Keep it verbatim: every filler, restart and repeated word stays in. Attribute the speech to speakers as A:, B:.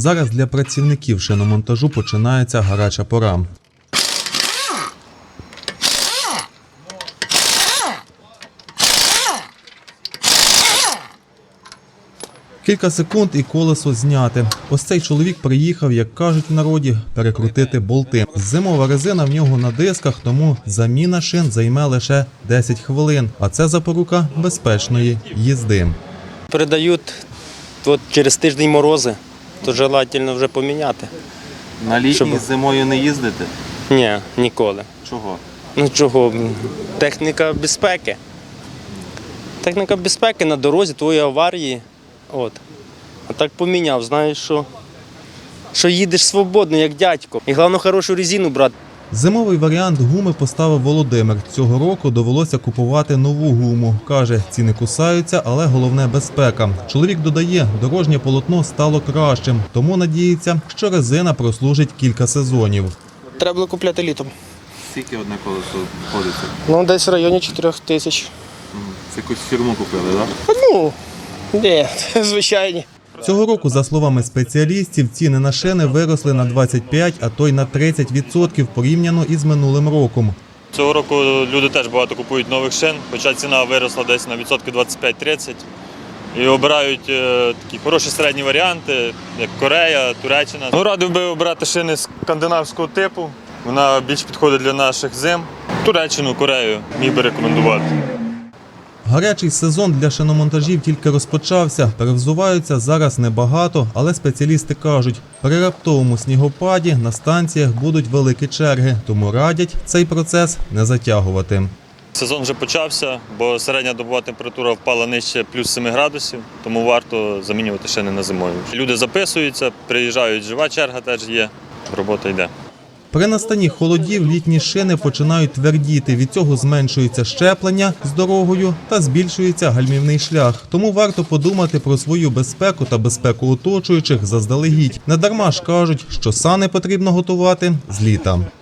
A: Зараз для працівників шиномонтажу починається гаряча пора. Кілька секунд і колесо зняте. Ось цей чоловік приїхав, як кажуть в народі, перекрутити болти. Зимова резина в нього на дисках, тому заміна шин займе лише десять хвилин. А це запорука безпечної їзди.
B: Передають от через тиждень морози, то желательно вже поміняти.
C: На літній
B: Щоб...
C: зимою не їздити?
B: Ні, ніколи.
C: Чого?
B: Ну чого? Техніка безпеки. Техніка безпеки на дорозі, твої аварії. От. А так поміняв, знаєш, що, що їдеш свободно, як дядько. І головне, хорошу резину брати.
A: Зимовий варіант гуми поставив Володимир. Цього року довелося купувати нову гуму. Каже, ціни кусаються, але головне – безпека. Чоловік додає, дорожнє полотно стало кращим, тому надіється, що резина прослужить кілька сезонів.
D: Треба було купляти літом.
C: Скільки одне колесо входиться?
D: Ну, десь в районі чотирьох тисяч.
C: Це якусь фірму купили, так?
D: Ну, ні, звичайні.
A: Цього року, за словами спеціалістів, ціни на шини виросли на двадцять п'ять, а то й на тридцять відсотків порівняно із минулим роком.
E: Цього року люди теж багато купують нових шин, хоча ціна виросла десь на відсотки двадцять п'ять тридцять. І обирають е, такі хороші середні варіанти, як Корея, Туреччина. Ну, радив би обрати шини скандинавського типу, вона більш підходить для наших зим. Туреччину, Корею міг би рекомендувати.
A: Гарячий сезон для шиномонтажів тільки розпочався. Перевзуваються зараз небагато, але спеціалісти кажуть, при раптовому снігопаді на станціях будуть великі черги, тому радять цей процес не затягувати.
E: Сезон вже почався, бо середня добова температура впала нижче плюс семи градусів, тому варто замінювати шини на зимові. Люди записуються, приїжджають, жива черга теж є, робота йде.
A: При настанні холодів літні шини починають твердіти, від цього зменшується щеплення з дорогою та збільшується гальмівний шлях. Тому варто подумати про свою безпеку та безпеку оточуючих заздалегідь. Недарма ж кажуть, що сани потрібно готувати з літа.